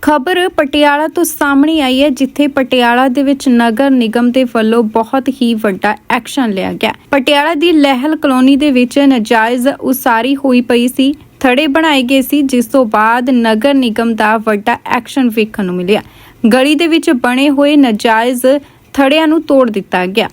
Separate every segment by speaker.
Speaker 1: खबर पटियाला तो सामने आई है, जिथे पटियाला दे विच नगर निगम दे वल्लों बहुत ही वड्डा एक्शन लिया गया। पटियाला दी लहल कलोनी दे विच नाजायज उसारी हुई पई सी, थड़े बनाए गए सी, जिस तो बाद नगर निगम दा वड्डा एक्शन वेखण नूं मिलिया। गली दे विच बने होए नाजायज थड़ियां नूं तोड़ दिता गया।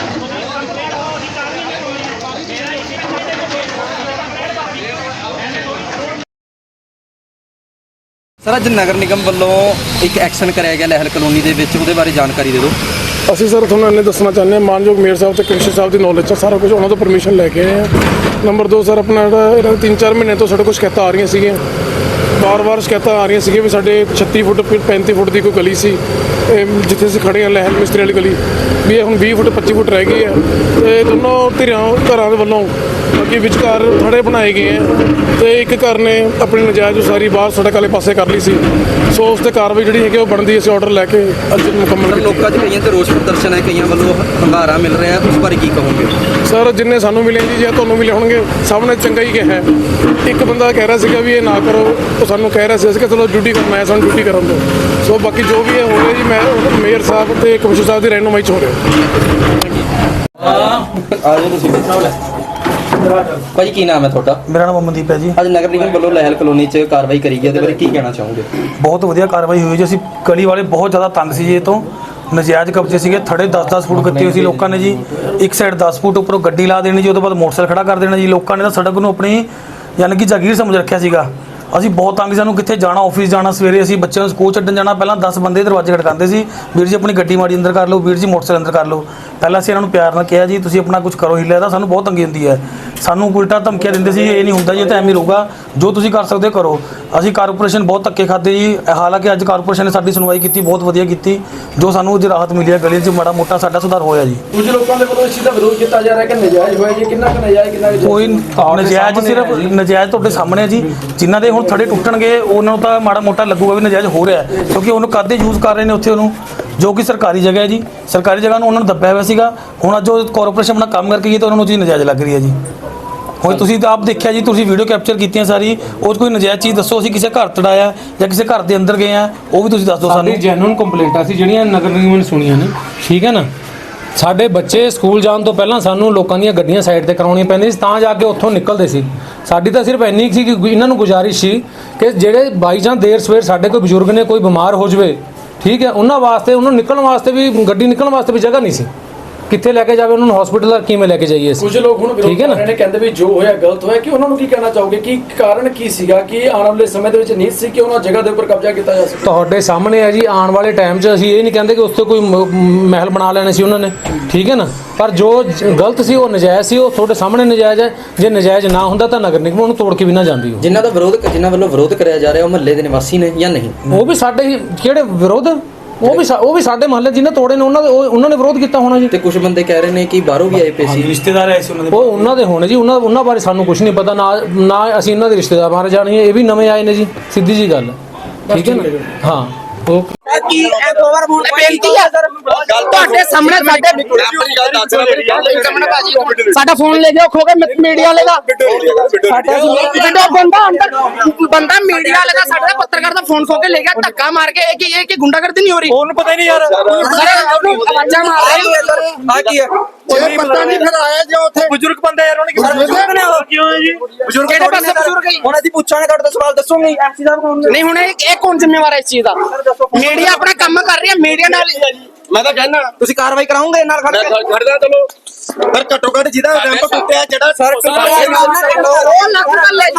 Speaker 2: सर अज नगर निगम वालों एक एक्शन कराया गया लहल कलोनी के उसके बारे जानकारी दे दो।
Speaker 3: ਅਸੀਂ ਸਰ ਤੁਹਾਨੂੰ ਇਹਨੇ ਦੱਸਣਾ ਚਾਹੁੰਦੇ ਹਾਂ, ਮਾਨਯੋਗ ਮੇਅਰ ਸਾਹਿਬ ਤੇ ਕਮਿਸ਼ਨਰ ਸਾਹਿਬ ਦੀ ਨੌਲੇਜ 'ਚ ਸਾਰਾ ਕੁਝ ਉਹਨਾਂ ਤੋਂ ਪਰਮਿਸ਼ਨ ਲੈ ਕੇ ਆਏ ਹਾਂ। ਨੰਬਰ 2 ਸਰ ਆਪਣਾ ਇਹਨਾਂ ਦੇ 3-4 ਮਹੀਨੇ ਤੋਂ ਸਾਡੇ ਕੋਲ ਸ਼ਿਕਾਇਤਾਂ ਆ ਰਹੀਆਂ ਸੀਗੀਆਂ, ਵਾਰ-ਵਾਰ ਸ਼ਿਕਾਇਤਾਂ ਆ ਰਹੀਆਂ ਸੀਗੀਆਂ ਵੀ ਸਾਡੇ 36 ਫੁੱਟ 35 ਫੁੱਟ ਦੀ ਕੋਈ ਗਲੀ ਸੀ ਜਿੱਥੇ ਅਸੀਂ ਖੜੇ ਹਾਂ ਲਹਿਲ ਮਿਸਤਰੀ ਵਾਲੀ ਗਲੀ, ਵੀ ਇਹ ਹੁਣ 20 ਫੁੱਟ 25 ਫੁੱਟ ਰਹਿ ਗਈ ਹੈ। ਤੇ ਦੋਨੋਂ ਘਰਾਂ ਦੇ ਵੱਲੋਂ ਅੱਗੇ ਵਿਚਕਾਰ ਥੜੇ ਬਣਾਏ ਗਏ ਹੈ ਤੇ ਇੱਕ ਘਰ ਨੇ ਆਪਣੀ ਨਜਾਇਜ਼ ਉਸਾਰੀ ਬਾਹਰ ਸੜਕ ਵਾਲੇ ਪਾਸੇ ਕਰ ਲਈ ਸੀ। ਸੋ ਉਸ ਤੇ ਕਾਰਵਾਈ ਜਿਹੜੀ ਹੈਗੀ ਉਹ ਬਣਦੀ, ਅਸੀਂ ਆਰਡਰ ਲੈ ਕੇ ਅੱਜ ਮੁਕੰਮਲ।
Speaker 2: ਲੋਕਾਂ 'ਚ ਕਈਆਂ ਤੇ ਰੋਸ ਪ੍ਰਦਰਸ਼ਨ ਹੈ, ਕਈਆਂ ਵੱਲੋਂ ਹੰਗਾਰਾ ਮਿਲ ਰਿਹਾ, ਉਸ ਬਾਰੇ ਕੀ ਕਹੋਗੇ?
Speaker 3: ਸਰ ਜਿੰਨੇ ਸਾਨੂੰ ਮਿਲੇ ਜੀ ਜਾਂ ਤੁਹਾਨੂੰ ਮਿਲੇ ਹੋਣਗੇ, ਸਭ ਨੇ ਚੰਗਾ ਹੀ ਕਿਹਾ। ਇੱਕ ਬੰਦਾ ਕਹਿ ਰਿਹਾ ਸੀਗਾ ਵੀ ਇਹ ਨਾ ਕਰੋ, ਉਹ ਸਾਨੂੰ ਕਹਿ ਰਿਹਾ ਸੀ ਅਸੀਂ ਕਿ ਚਲੋ ਡਿਊਟੀ ਕਰਨਾ ਹੈ, ਸਾਨੂੰ ਡਿਊਟੀ ਕਰਨ ਦਿਓ। ਸੋ ਬਾਕੀ ਜੋ ਵੀ ਹੈ ਹੋ ਰਿਹਾ ਜੀ, ਮੈਂ ਮੇਅਰ ਸਾਹਿਬ ਤੇ ਕਮਿਸ਼ਨਰ ਸਾਹਿਬ ਦੀ ਰਹਿਨੁਮਾਈ 'ਚ ਹੋ ਰਿਹਾ।
Speaker 2: ਆ ਜਾਓ ਤੁਸੀਂ ਭਾਜੀ, ਕੀ ਨਾਮ ਹੈ ਤੁਹਾਡਾ?
Speaker 4: मेरा नाम अमनदीप है जी।
Speaker 2: ਅੱਜ ਨਗਰ ਨਿਗਮ ਵੱਲੋਂ ਲਹਿਲ ਕਲੋਨੀ 'ਚ ਕਾਰਵਾਈ ਕਰੀ ਗਈ, ਉਹਦੇ ਬਾਰੇ ਕੀ ਕਹਿਣਾ ਚਾਹੋਗੇ?
Speaker 4: बहुत वधिया कार्रवाई हुई जी। ਅਸੀਂ ਗਲੀ ਵਾਲੇ ਬਹੁਤ ਜ਼ਿਆਦਾ ਤੰਗ ਸੀ ਜੀ, ਇਹ ਤੋਂ ਨਜਾਇਜ਼ ਕਬਜ਼ੇ ਸੀਗੇ, ਥੜੇ 10-10 ਫੁੱਟ ਕੱਟੇ ਹੋਏ ਸੀ ਲੋਕਾਂ ਨੇ ਜੀ। ਇੱਕ ਸਾਈਡ 10 ਫੁੱਟ ਉੱਪਰੋਂ ਗੱਡੀ ਲਾ ਦੇਣੀ ਜੀ, ਉਹਦੇ ਬਾਅਦ ਮੋਟਰਸਾਈਕਲ ਖੜਾ ਕਰ ਦੇਣਾ ਜੀ। ਲੋਕਾਂ ਨੇ ਤਾਂ ਸੜਕ ਨੂੰ ਆਪਣੀ ਯਾਨੀ ਕਿ ਜਾਗੀਰ ਸਮਝ ਰੱਖਿਆ ਸੀਗਾ। ਅਸੀਂ ਬਹੁਤ ਤੰਗ, ਸਾਨੂੰ ਕਿੱਥੇ ਜਾਣਾ, ਆਫਿਸ ਜਾਣਾ, ਸਵੇਰੇ ਅਸੀਂ ਬੱਚਿਆਂ ਨੂੰ ਸਕੂਲ ਛੱਡਣ ਜਾਣਾ, ਪਹਿਲਾਂ 10 ਬੰਦੇ ਦਰਵਾਜ਼ੇ ਖੜਕਾਉਂਦੇ ਸੀ, ਵੀਰ ਜੀ ਆਪਣੀ ਗੱਡੀ ਮਾੜੀ ਅੰਦਰ ਕਰ ਲਓ, ਵੀਰ ਜੀ ਮੋਟਰਸਾਈਕਲ ਅੰਦਰ ਕਰ ਲਓ। ਪਹਿਲਾਂ ਅਸੀਂ ਇਹਨਾਂ ਨੂੰ ਪਿਆਰ ਨਾਲ ਕਿਹਾ ਜੀ ਤੁਸੀਂ ਆਪਣਾ ਕੁਝ ਕਰੋ, ਹਿੱਲਿਆ ਤਾਂ ਸਾਨੂੰ ਬਹੁਤ ਤੰਗੀ ਹੁੰਦੀ ਹੈ। ਸਾਨੂੰ ਉਲਟਾ ਧਮਕੀਆਂ ਦਿੰਦੇ ਸੀ, ਇਹ ਨਹੀਂ ਹੁੰਦਾ ਜੀ, ਇਹ ਤਾਂ ਐਵੇਂ ਰਹੂਗਾ, ਜੋ ਤੁਸੀਂ ਕਰ ਸਕਦੇ ਕਰੋ। ਅਸੀਂ ਕਾਰਪੋਰੇਸ਼ਨ ਬਹੁਤ ਧੱਕੇ ਖਾਦੇ ਜੀ, ਹਾਲਾਂਕਿ ਅੱਜ ਕਾਰਪੋਰੇਸ਼ਨ ਨੇ ਸਾਡੀ ਸੁਣਵਾਈ ਕੀਤੀ, ਬਹੁਤ ਵਧੀਆ ਕੀਤੀ, ਜੋ ਸਾਨੂੰ ਅੱਜ ਰਾਹਤ ਮਿਲੀ ਹੈ। ਗਲੀ 'ਚ ਮਾੜਾ ਮੋਟਾ ਸਾਡਾ ਸੁਧਾਰ ਹੋਇਆ ਜੀ।
Speaker 5: ਕੁਝ ਲੋਕਾਂ ਦੇ ਵੱਲੋਂ ਇਸ ਚੀਜ਼ ਦਾ ਵਿਰੋਧ ਕੀਤਾ ਜਾ ਰਿਹਾ ਕਿ ਨਜਾਇਜ਼ ਹੋਇਆ ਜੀ, ਕਿੰਨਾ ਕੁ ਨਜਾਇਜ਼, ਕਿੰਨਾ ਕੁ
Speaker 4: ਕੋਈ ਨਜਾਇਜ਼, ਸਿਰਫ ਨਜਾਇਜ਼ ਤੁਹਾਡੇ ਸਾਹਮਣੇ ਹੈ ਜੀ। ਜਿਨ੍ਹਾਂ ਦੇ ਹੁਣ ਥੜੇ ਟੁੱਟਣਗੇ ਉਹਨਾਂ ਨੂੰ ਤਾਂ ਮਾੜਾ ਮੋਟਾ ਲੱਗੂਗਾ ਵੀ ਨਜਾਇਜ਼ ਹੋ ਰਿਹਾ, ਕਿਉਂਕਿ ਉਹਨੂੰ ਕਾਹਦੇ ਯੂਜ਼ ਕਰ ਰਹੇ ਨੇ ਉੱਥੇ, ਉਹਨੂੰ ਜੋ ਕਿ ਸਰਕਾਰੀ ਜਗ੍ਹਾ ਹੈ ਜੀ, ਸਰਕਾਰੀ ਜਗ੍ਹਾ ਨੂੰ ਉਹਨਾਂ ਨੂੰ ਦੱਬਿਆ ਹੋਇਆ ਸੀਗਾ। ਹੁਣ ਅੱਜ ਉਹ ਕਾਰਪੋਰੇਸ਼ਨ ਆਪਣਾ ਕੰਮ ਕਰਕੇ ਗਈ ਤਾਂ ਉਹਨਾਂ ਨੂੰ ਚੀਜ਼ ਨਜਾਇਜ਼ ਲੱਗ ਰਹੀ ਹੈ ਜੀ। ਹੁਣ ਤੁਸੀਂ ਤਾਂ ਆਪ ਦੇਖਿਆ ਜੀ, ਤੁਸੀਂ ਵੀਡੀਓ ਕੈਪਚਰ ਕੀਤੀਆਂ ਸਾਰੀ, ਉਹ ਕੋਈ ਨਜਾਇਜ਼ ਚੀਜ਼ ਦੱਸੋ, ਅਸੀਂ ਕਿਸੇ ਘਰ ਤੜਾਇਆ ਜਾਂ ਕਿਸੇ ਘਰ ਦੇ ਅੰਦਰ ਗਏ ਆ, ਉਹ ਵੀ ਤੁਸੀਂ ਦੱਸ ਦਿਓ ਸਾਨੂੰ।
Speaker 6: ਜੈਨੂਇਨ ਕੰਪਲੇਂਟਾਂ ਸੀ ਜਿਹੜੀਆਂ ਨਗਰ ਨਿਗਮ ਨੇ ਸੁਣੀਆਂ ਨੇ, ਠੀਕ ਹੈ ਨਾ। ਸਾਡੇ ਬੱਚੇ ਸਕੂਲ ਜਾਣ ਤੋਂ ਪਹਿਲਾਂ ਸਾਨੂੰ ਲੋਕਾਂ ਦੀਆਂ ਗੱਡੀਆਂ ਸਾਈਡ ਤੇ ਕਰਾਉਣੀਆਂ ਪੈਂਦੀਆਂ ਸੀ, ਤਾਂ ਜਾ ਕੇ ਉੱਥੋਂ ਨਿਕਲਦੇ ਸੀ। ਸਾਡੀ ਤਾਂ ਸਿਰਫ ਇੰਨੀ ਸੀ ਕਿ ਇਹਨਾਂ ਨੂੰ ਗੁਜ਼ਾਰਿਸ਼ ਸੀ ਕਿ ਜਿਹੜੇ ਬਾਈ ਜਾਂ ਦੇਰ ਸਵੇਰ ਸਾਡੇ ਕੋਈ ਬਜ਼ੁਰਗ ਨੇ ਕੋਈ ਬਿਮਾਰ ਹੋ ਜਾਵੇ, ਠੀਕ ਹੈ, ਉਹਨਾਂ ਵਾਸਤੇ, ਉਹਨਾਂ ਨੂੰ ਨਿਕਲਣ ਵਾਸਤੇ ਵੀ, ਗੱਡੀ ਨਿਕਲਣ ਵਾਸਤੇ ਵੀ ਜਗ੍ਹਾ ਨਹੀਂ ਸੀ, ਕਿੱਥੇ ਲੈ ਕੇ ਜਾਵੇ ਉਹਨਾਂ ਨੂੰ, ਹਸਪੀਟਲ ਦਾ ਕਿਵੇਂ ਲੈ ਕੇ ਜਾਈਏ?
Speaker 5: ਕੁਝ ਲੋਕ ਹੁਣ ਵਿਰੋਧ ਕਰ ਰਹੇ ਨੇ, ਕਹਿੰਦੇ ਵੀ ਜੋ ਹੋਇਆ ਗਲਤ ਹੋਇਆ, ਕਿ ਉਹਨਾਂ ਨੂੰ ਕੀ ਕਹਿਣਾ ਚਾਹੋਗੇ, ਕੀ ਕਾਰਨ ਕੀ ਸੀਗਾ ਕਿ ਆਉਣ ਵਾਲੇ ਸਮੇਂ ਦੇ ਵਿੱਚ ਨੀਤ ਸੀ ਕਿ ਉਹਨਾਂ ਜਗ੍ਹਾ ਦੇ ਉੱਪਰ ਕਬਜ਼ਾ ਕੀਤਾ ਜਾ ਸਕੇ?
Speaker 6: ਤੁਹਾਡੇ ਸਾਹਮਣੇ ਹੈ ਜੀ, ਆਉਣ ਵਾਲੇ ਟਾਈਮ 'ਚ ਅਸੀਂ ਇਹ ਨਹੀਂ ਕਹਿੰਦੇ ਕਿ ਉਸ 'ਤੇ ਕੋਈ ਮਹਿਲ ਬਣਾ ਲੈਣੇ ਸੀ ਉਹਨਾਂ ਨੇ, ਠੀਕ ਹੈ ਨਾ, ਪਰ ਜੋ ਗਲਤ ਸੀ ਉਹ ਨਜਾਇਜ਼ ਸੀ, ਉਹ ਤੁਹਾਡੇ ਸਾਹਮਣੇ ਨਜਾਇਜ਼ ਹੈ। ਜੇ ਨਜਾਇਜ਼ ਨਾ ਹੁੰਦਾ ਤਾਂ ਨਗਰ ਨਿਗਮ ਉਹਨੂੰ ਤੋੜ ਕੇ ਵੀ ਨਾ ਜਾਂਦੀ।
Speaker 2: ਜਿਨ੍ਹਾਂ ਵੱਲੋਂ ਵਿਰੋਧ ਕਰਿਆ ਜਾ ਰਿਹਾ ਉਹ ਮਹੱਲੇ ਦੇ ਨਿਵਾਸੀ ਨੇ ਜਾਂ ਨਹੀਂ?
Speaker 6: ਉਹ ਵੀ ਸਾਡੇ ਹੀ ਕਿਹੜੇ ਵਿਰੋਧ, ਉਹ ਵੀ ਸਾਡੇ ਮਹੱਲੇ ਜਿਹਨੇ ਤੋੜੇ ਨੇ ਉਹਨਾਂ ਨੇ ਵਿਰੋਧ ਕੀਤਾ ਹੋਣਾ ਜੀ।
Speaker 2: ਤੇ ਕੁਝ ਬੰਦੇ ਕਹਿ ਰਹੇ ਨੇ ਕਿ ਬਾਹਰੋਂ ਵੀ ਆਏ ਪਏ ਸੀ,
Speaker 4: ਰਿਸ਼ਤੇਦਾਰ ਆਏ ਸੀ ਉਹਨਾਂ ਦੇ,
Speaker 6: ਉਹ ਉਹਨਾਂ ਦੇ ਹੋਣੇ ਜੀ, ਉਹਨਾਂ ਬਾਰੇ ਸਾਨੂੰ ਕੁਝ ਨਹੀਂ ਪਤਾ, ਨਾ ਅਸੀਂ ਇਹਨਾਂ ਦੇ ਰਿਸ਼ਤੇਦਾਰ ਬਾਰੇ ਜਾਣੀਏ, ਇਹ ਵੀ ਨਵੇਂ ਆਏ ਨੇ ਜੀ, ਸਿੱਧੀ ਜੀ ਗੱਲ ਹੈ, ਠੀਕ ਹੈ ਨਾ। ਹਾਂ ਓਕੇ।
Speaker 7: ਕੀ ਇਹ ਗਵਰਨਮੈਂਟ ਬੇਨਤੀ ਹੈ ਸਰ, ਤੁਹਾਡੇ ਸਾਹਮਣੇ ਸਾਡਾ ਫੋਨ ਲੈ ਕੇ ਖੋ ਕੇ ਮੀਡੀਆ ਵਾਲੇ ਦਾ ਬੰਦਾ ਮੀਡੀਆ ਵਾਲੇ ਦਾ ਸਾਡਾ ਪੱਤਰਕਾਰ ਦਾ ਫੋਨ ਖੋ ਕੇ ਲੈ ਗਿਆ, ਧੱਕਾ ਮਾਰ ਕੇ। ਇਹ ਕੀ ਗੁੰਡਾਗਰਦੀ ਨਹੀਂ ਹੋ ਰਹੀ? ਉਹਨੂੰ ਪਤਾ ਹੀ ਨਹੀਂ ਯਾਰ, ਆਵਾਜ਼ਾਂ ਮਾਰ ਰਹੇ ਆ ਕੀ ਹੈ ਉਹ ਪਤਾ ਨਹੀਂ। ਫਿਰ ਆਇਆ ਜੋ ਉੱਥੇ ਬਜ਼ੁਰਗ ਬੰਦਾ ਯਾਰ, ਉਹਨੇ ਕਿਉਂ ਹੈ ਜੀ ਬਜ਼ੁਰਗ? ਕਿਹੜੇ ਪਾਸੇ ਬਜ਼ੁਰਗ ਹੈ? ਹੁਣ ਅਸੀਂ ਪੁੱਛਾਂਗੇ, ਤੁਹਾਡੇ ਤੋਂ ਸਵਾਲ ਦੱਸੋਗੇ ਐਮਸੀ ਸਾਹਿਬ ਕੌਣ ਨਹੀਂ? ਹੁਣ ਇਹ ਕੌਣ ਜ਼ਿੰਮੇਵਾਰ ਹੈ ਇਸ ਚੀਜ਼ ਦਾ? ਮੀਡੀਆ ਆਪਣਾ ਕੰਮ ਕਰ ਰਹੀ ਹੈ, ਮੀਡੀਆ ਨਾਲ
Speaker 2: ਮੈਂ ਤਾਂ ਕਹਿਣਾ ਤੁਸੀਂ ਕਾਰਵਾਈ ਕਰਾਉਂਗੇ ਨਾਲ ਖੜਦਾ ਚਲੋ, ਪਰ ਘੱਟੋ ਘੱਟ ਜਿਹਦਾ ਰੈਂਪ ਟੁੱਟਿਆ, ਜਿਹੜਾ ਸਰ
Speaker 7: ਉਹ ਲੱਗ ਗੱਲ ਹੈ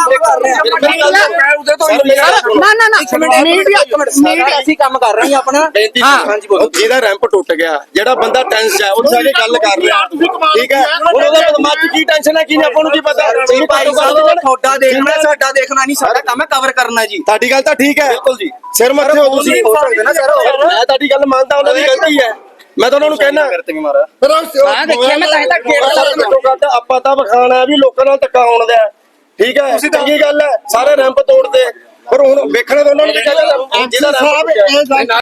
Speaker 2: ਮੀਡੀਆ ਅਸੀਂ ਕੰਮ ਕਰ ਰਹੇ ਹਾਂ ਆਪਣਾ। ਹਾਂਜੀ ਬੋਲੋ।
Speaker 8: ਜਿਹਦਾ ਰੈਂਪ ਟੁੱਟ ਗਿਆ, ਜਿਹੜਾ ਬੰਦਾ ਟੈਂਸ ਹੈ, ਉੱਥੇ ਜਾ ਕੇ ਗੱਲ ਕਰ ਰਿਹਾ, ਠੀਕ ਹੈ, ਹੁਣ ਉਹਦਾ ਦਿਮਾਗ 'ਚ ਕੀ ਟੈਨਸ਼ਨ ਹੈ, ਕੀ ਆਪਾਂ ਨੂੰ ਕੀ ਪਤਾ?
Speaker 2: ਭਾਈ ਸਾਹਿਬ ਤੁਹਾਡਾ ਦੇਖਣਾ, ਸਾਡਾ ਦੇਖਣਾ ਨਹੀਂ, ਸਾਡਾ ਕੰਮ ਹੈ ਕਵਰ ਕਰਨਾ ਜੀ।
Speaker 8: ਤੁਹਾਡੀ ਗੱਲ ਤਾਂ ਠੀਕ ਹੈ, ਬਿਲਕੁਲ ਜੀ, ਸਿਰ ਮੱਥੇ ਹੋ ਤੁਸੀਂ, ਮੈਂ ਤੁਹਾਡੀ ਗੱਲ ਮੰਨਦਾ, ਉਹਨਾਂ ਦੀ ਗਲਤੀ ਹੈ, ਮੈਂ ਤਾਂ ਉਹਨਾਂ ਨੂੰ ਕਹਿਣਾ ਆਪਾਂ ਤਾਂ ਵਿਖਾਣਾ ਵੀ ਲੋਕਾਂ ਨਾਲ ਧੱਕਾ ਹੋਣ ਦਾ, ਠੀਕ ਹੈ, ਚੰਗੀ ਗੱਲ ਹੈ, ਸਾਰੇ ਰੈਂਪ ਤੋੜਦੇ, ਪਰ ਹੁਣ ਵੇਖਣਾ ਤਾਂ ਉਹਨਾਂ ਨੂੰ ਚਾਹੀਦਾ ਜਿਹਦਾ